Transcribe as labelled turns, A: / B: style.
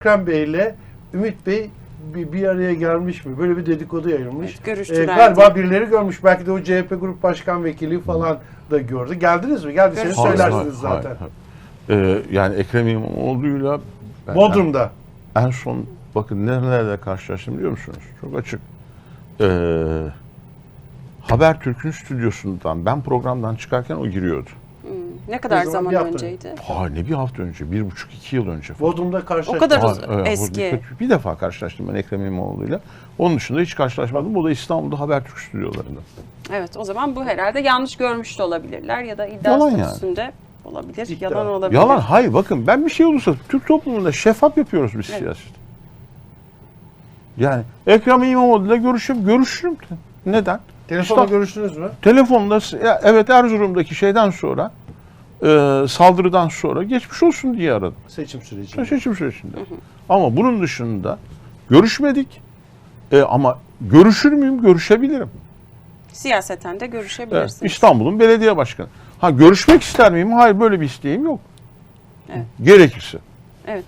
A: Ekrem Bey ile Ümit Bey bir araya gelmiş mi? Böyle bir dedikodu yayılmış.
B: Evet, görüştüler.
A: Galiba birileri görmüş. Belki de o CHP Grup Başkan Vekili falan da gördü. Geldiniz mi? Geldiyseniz söylersiniz zaten.
C: Yani Ekrem İmamoğlu'yla
A: Bodrum'da.
C: en son bakın nerelerle karşılaştım biliyor musunuz? Çok açık. Habertürk'ün stüdyosundan ben programdan çıkarken o giriyordu.
B: Ne kadar
A: zaman?
B: zaman
A: Bir hafta
B: önceydi?
C: Ne bir hafta önce, 1,5-2 yıl önce falan.
A: Bodrum'da karşılaştık.
B: O kadar
C: Evet,
B: eski.
C: bir defa karşılaştım ben Ekrem İmamoğlu'yla. Onun dışında hiç karşılaşmadım. O da İstanbul'da Habertürk stüdyolarında.
B: Evet, o zaman bu herhalde yanlış görmüş de olabilirler ya da iddia
C: Yalan yani.
B: statüsünde olabilir.
A: İddia.
B: Yalan olabilir.
C: Yalan, hayır bakın ben bir şey olursa Türk toplumunda şeffaf yapıyoruz biz siyaset. Yani Ekrem İmamoğlu'yla görüşürüm. Neden?
A: Telefonda görüştünüz mü?
C: Telefonda evet Erzurum'daki şeyden sonra saldırıdan sonra geçmiş olsun diye aradım.
A: Seçim sürecinde.
C: Seçim sürecinde. Ama bunun dışında görüşmedik. Ama görüşür müyüm? Görüşebilirim.
B: Siyaseten de görüşebilirsiniz.
C: Evet, İstanbul'un belediye başkanı. Görüşmek ister miyim? Hayır, böyle bir isteğim yok.
B: Evet.
C: Gerekirse.